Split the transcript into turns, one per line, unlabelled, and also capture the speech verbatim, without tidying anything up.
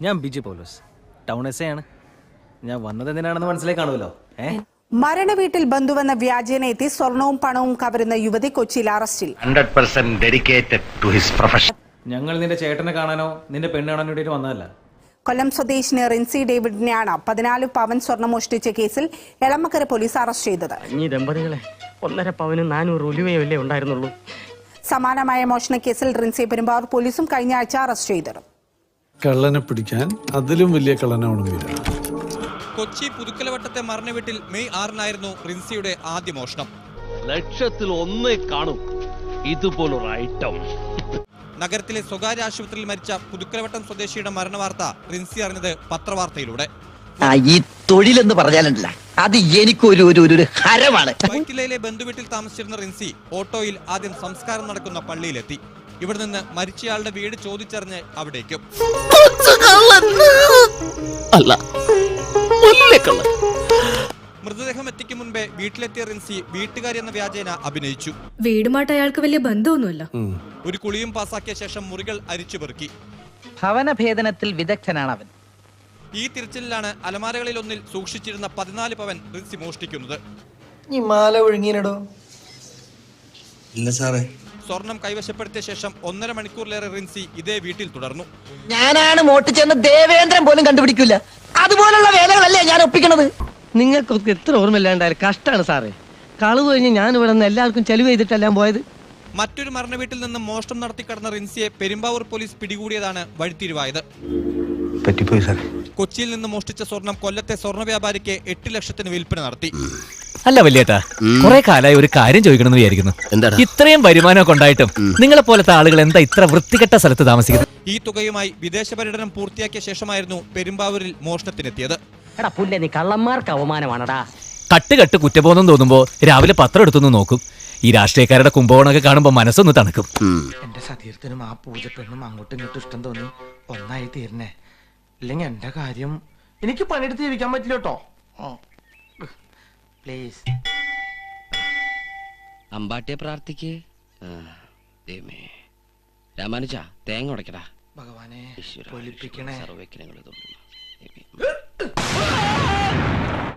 ഞാൻ Biji Paulose, town S A ആണ്. ഞാൻ വന്നത് എന്തിനാണെന്ന് മനസ്സിലായി കാണുമല്ലോ. ഏ
മരണവീട്ടിൽ ബന്ധുവെന്ന വ്യാജേന എത്തി സ്വർണവും പണവും കവരുന്ന യുവതി കൊച്ചിയിൽ അറസ്റ്റിൽ.
Hundred percent dedicated to his profession.
ഞങ്ങൾ നിന്റെ ചേട്ടനെ കാണാനോ നിന്റെ പെണ്ണ് കാണാനോ വേണ്ടിയിട്ട് വന്നതല്ല.
കൊല്ലം സ്വദേശിനി റിൻസി ഡേവിഡിനെയാണ് പതിനാല് പവൻ സ്വർണം മോഷ്ടിച്ച കേസിൽ എളമക്കര പോലീസ് അറസ്റ്റ് ചെയ്തത്.
ഈ ദമ്പതികളെ ഒന്നര പവനും നാനൂറ് ഒലിവയല്ലേ ഉണ്ടായിരുന്നുള്ളൂ.
സമാനമായ മോഷണ കേസിൽ റിൻസിയെ പെരുമ്പാവൂർ പോലീസും കഴിഞ്ഞ ആഴ്ച അറസ്റ്റ് ചെയ്തിരുന്നു.
കള്ളനെ പിടിക്കാൻ അതിലും വലിയ കള്ളനാവണമെന്നില്ല.
കൊച്ചി പുതുക്കലവട്ടത്തെ മരണവീട്ടിൽ മെയ് ആറിനായിരുന്നു റിൻസിയുടെ ആദ്യ മോഷണം.
ലക്ഷത്തിൽ ഒന്നേ കാണും ഇതുപോലൊരു ഐറ്റം.
നഗരത്തിലെ സ്വകാര്യ ആശുപത്രിയിൽ മരിച്ച പുതുക്കലവട്ടം സ്വദേശിയുടെ മരണവാർത്ത റിൻസി അറിഞ്ഞത് പത്രവാർത്തയിലൂടെ.
ഈ തൊഴിലെന്ന് പറഞ്ഞാലല്ല, അത് എനിക്കൊരു ഒരു ഹരമാണ്.
വൈറ്റിലയിലെ ബന്ധുവീട്ടിൽ താമസിച്ചിരുന്ന റിൻസി ഓട്ടോയിൽ ആദ്യം സംസ്കാരം നടക്കുന്ന പള്ളിയിലെത്തി. ഇവിടെ നിന്ന് മരിച്ചയാളുടെ വീട് ചോദിച്ചറിഞ്ഞ് അവിടേക്കും. മൃതദേഹം എത്തിക്കും മുൻപേ വീട്ടിലെത്തിയ റിൻസി വീട്ടുകാരി എന്ന വ്യാജേന അഭിനയിച്ചു.
വീടുമായിട്ട് അയാൾക്ക് വലിയ ബന്ധമൊന്നുമില്ല.
ഒരു കുളിയും പാസാക്കിയ ശേഷം മുറികൾ അരിച്ചു പെറുക്കി.
ഭവനഭേദനത്തിൽ വിദഗ്ധനാണ് അവൻ.
ഈ തിരച്ചിലാണ് അലമാരകളിൽ ഒന്നിൽ സൂക്ഷിച്ചിരുന്ന പതിനാല് പവൻ റിൻസി മോഷ്ടിക്കുന്നത്.
ഈ മാല ഒഴുങ്ങിയിടോ?
ഇല്ല സാറേ.
സ്വർണം കൈവശപ്പെടുത്തിയ ശേഷം ഒന്നര മണിക്കൂറിലേറെ റിൻസി ഇതേ വീട്ടിൽ തുടർന്നു.
ഞാനാണ് മോട്ടിച്ചെന്ന് ദേവേന്ദ്രൻ പോലും കണ്ടുപിടിക്കില്ല. അതുപോലുള്ള വേലകളല്ലേ ഞാൻ ഒപ്പിക്കണത്.
നിങ്ങൾക്കൊക്കെ എത്ര ഓർമ്മയില്ലാണ്ടായാലും കഷ്ടമാണ് സാറേ. കളവ് കഴിഞ്ഞ് ഞാൻ ഇവിടെ നിന്ന് എല്ലാവർക്കും ചെലവ് ചെയ്തിട്ടെല്ലാം പോയത്.
മറ്റൊരു മരണവീട്ടിൽ നിന്ന് മോഷണം നടത്തി കടന്ന റിൻസിയെ പെരുമ്പാവൂർ പോലീസ് പിടികൂടിയതാണ് വഴിത്തിരിവായത്. കൊച്ചിയിൽ നിന്ന് മോഷ്ടിച്ച സ്വർണം കൊല്ലത്തെ സ്വർണ്ണ വ്യാപാരിക്ക് എട്ട് ലക്ഷത്തിന് വിൽപ്പന നടത്തി.
അല്ല വല്യേട്ടാ, കുറെ കാലമായി ഒരു കാര്യം ചോദിക്കണമെന്ന് വിചാരിക്കുന്നു. ഇത്രയും വരുമാനമൊക്കെ ഉണ്ടായിട്ടും നിങ്ങളെ പോലത്തെ ആളുകൾ എന്താ ഇത്ര വൃത്തികെട്ട സ്ഥലത്ത് താമസിക്കുന്നത്?
ഈ തുകയുമായി വിദേശ പര്യടനം പൂർത്തിയാക്കിയ ശേഷമായിരുന്നു പെരുമ്പാവൂരിൽ മോഷണത്തിനെത്തിയത്.
നീ കള്ളന്മാർക്ക് അവമാനമാണടാ.
കട്ട് കട്ട് കുറ്റബോധം തോന്നുമ്പോ രാവിലെ പത്രം എടുത്തൊന്ന് നോക്കും. ഈ രാഷ്ട്രീയക്കാരുടെ കുംഭകോണൊക്കെ കാണുമ്പോ മനസ്സൊന്ന് തണുക്കും.
എന്റെ സതീർത്ഥനും ആ പൂജപ്പെണ്ണും അങ്ങോട്ടും ഇങ്ങോട്ടും ഇഷ്ടം തോന്നി ഒന്നായി തീരണേ. ഇല്ലെങ്കിൽ എന്റെ കാര്യം എനിക്ക് പണിയെടുത്ത് ജീവിക്കാൻ പറ്റില്ല കേട്ടോ. പ്ലീസ്.
അമ്പാട്ടിയെ പ്രാർത്ഥിക്ക്. രാമാനുജ തേങ്ങ ഉടക്കടാ.
ഭഗവാനെ പൊലിപ്പിക്കണേ.
സർവ്വ